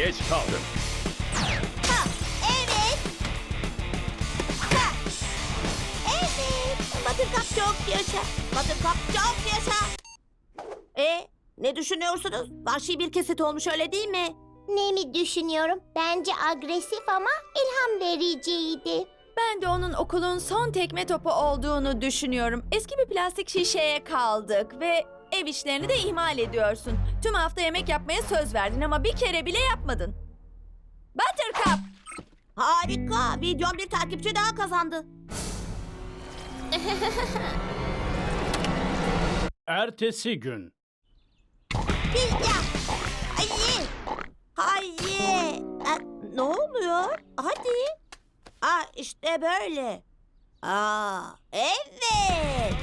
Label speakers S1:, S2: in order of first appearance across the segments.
S1: Geç kaldın.
S2: Ha, evet. Ha, evet. Buttercup çok yaşa. Buttercup çok yaşa. Ne düşünüyorsunuz? Vahşi bir kesit olmuş, öyle değil mi?
S3: Ne mi düşünüyorum? Bence agresif ama ilham vericiydi.
S4: Ben de onun okulun son tekme topu olduğunu düşünüyorum. Eski bir plastik şişeye kaldık ve ev işlerini de ihmal ediyorsun. Tüm hafta yemek yapmaya söz verdin ama bir kere bile yapmadın. Buttercup!
S2: Harika. Videom bir takipçi daha kazandı.
S1: Ertesi gün.
S2: Ya. Hayır. Hayır. Ne oluyor? Hadi. İşte böyle. Evet.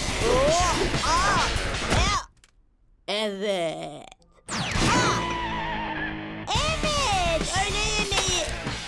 S2: Evet. Evet. Öğle yemeği.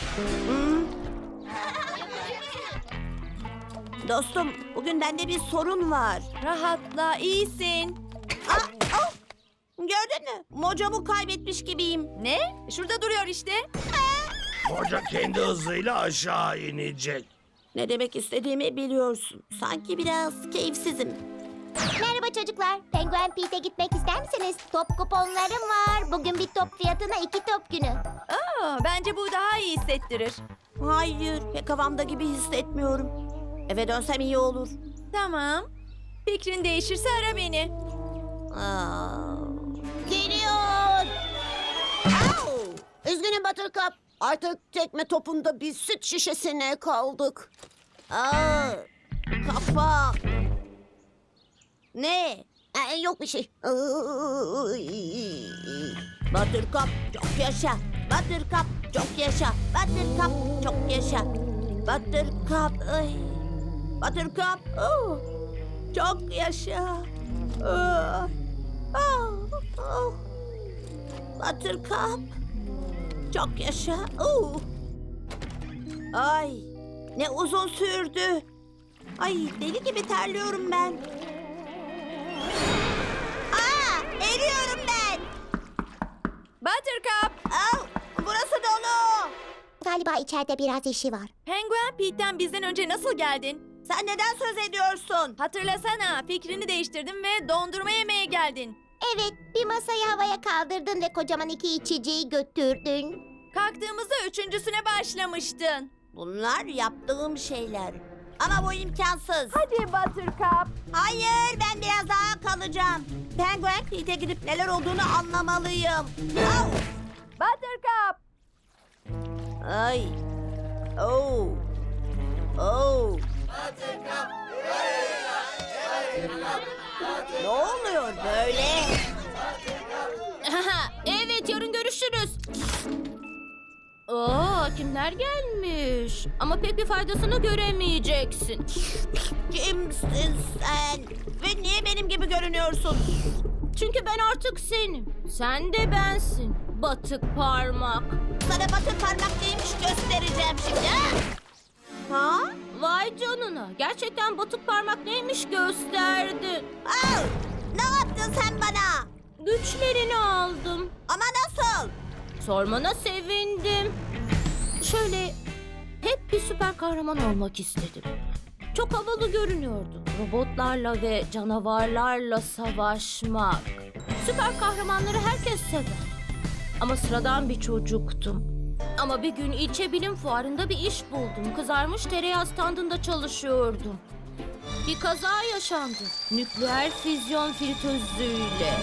S2: Dostum, bugün bende bir sorun var.
S4: Rahatla, iyisin.
S2: Gördün mü? Mojomu kaybetmiş gibiyim.
S4: Ne? Şurada duruyor işte.
S5: Hoca kendi hızıyla aşağı inecek.
S2: Ne demek istediğimi biliyorsun. Sanki biraz keyifsizim.
S3: Merhaba çocuklar. Penguin Pete'e gitmek ister misiniz? Top kuponlarım var. Bugün bir top fiyatına 2 top günü.
S4: Bence bu daha iyi hissettirir.
S2: Hayır, pek havamda gibi hissetmiyorum. Eve dönsem iyi olur.
S4: Tamam. Fikrin değişirse ara beni.
S2: Geliyor. Üzgünüm Buttercup. Artık tekme topunda bir süt şişesine kaldık. Kafa. Ne? Yok bir şey. Buttercup çok yaşa. Buttercup çok yaşa. Buttercup çok yaşa. Buttercup. Buttercup. Çok yaşa. Buttercup. Çok yaşa. Ay, ne uzun sürdü. Ay, deli gibi terliyorum ben. Eriyorum ben.
S4: Buttercup!
S2: Burası dolu.
S3: Galiba içeride biraz işi var.
S4: Penguin Pete'den bizden önce nasıl geldin?
S2: Sen neden söz ediyorsun?
S4: Hatırlasana, fikrini değiştirdin ve dondurma yemeye geldin.
S3: Evet, bir masayı havaya kaldırdın ve kocaman 2 içeceği götürdün.
S4: Kalktığımızda üçüncüsüne başlamıştın.
S2: Bunlar yaptığım şeyler. Ama bu imkansız.
S4: Hadi Buttercup.
S2: Hayır, ben biraz daha kalacağım. Penguin Pete'e gidip neler olduğunu anlamalıyım.
S4: Buttercup!
S2: Ay. Oh. Ne oluyor böyle?
S6: Evet, yarın görüşürüz. Kimler gelmiş? Ama pek bir faydasını göremeyeceksin.
S2: Kimsin sen? Ve niye benim gibi görünüyorsun?
S6: Çünkü ben artık senim. Sen de bensin. Batık parmak.
S2: Sana batı parmak neymiş göstereceğim şimdi. Ha?
S6: Vay canına. Gerçekten batık parmak neymiş gösterdin.
S2: Ne yaptın sen bana?
S6: Güçlerini aldım.
S2: Ama nasıl?
S6: Sormana sevindim. Şöyle hep bir süper kahraman olmak istedim. Çok havalı görünüyordu. Robotlarla ve canavarlarla savaşmak. Süper kahramanları herkes sever. Ama sıradan bir çocuktum. Ama bir gün ilçe bilim fuarında bir iş buldum. Kızarmış tereyağı standında çalışıyordum. Bir kaza yaşandı. Nükleer füzyon fritözüyle.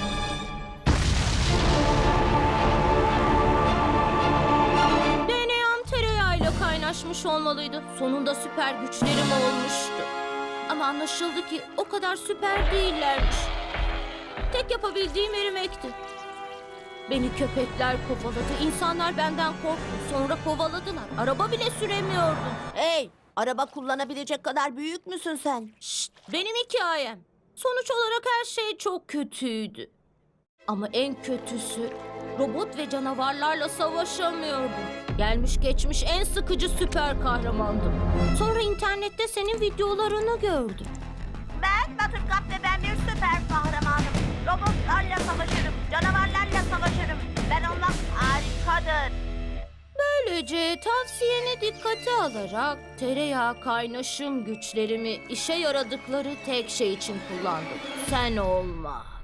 S6: DNA'm tereyağıyla kaynaşmış olmalıydı. Sonunda süper güçlerim olmuştu. Ama anlaşıldı ki o kadar süper değillermiş. Tek yapabildiğim erimekti. Beni köpekler kovaladı. İnsanlar benden korktu. Sonra kovaladılar. Araba bile süremiyordum.
S2: Hey, araba kullanabilecek kadar büyük müsün sen?
S6: Şşt, benim hikayem. Sonuç olarak her şey çok kötüydü. Ama en kötüsü robot ve canavarlarla savaşamıyordum. Gelmiş geçmiş en sıkıcı süper kahramandım. Sonra internette senin videolarını gördüm.
S2: Ben Buttercup ve ben bir süper kahramanım. Robotlarla savaşırım, canavarlarla savaşırım. Ben olmak harikadır.
S6: Tavsiyeni dikkate alarak tereyağı kaynaşım güçlerimi işe yaradıkları tek şey için kullandım. Sen olma.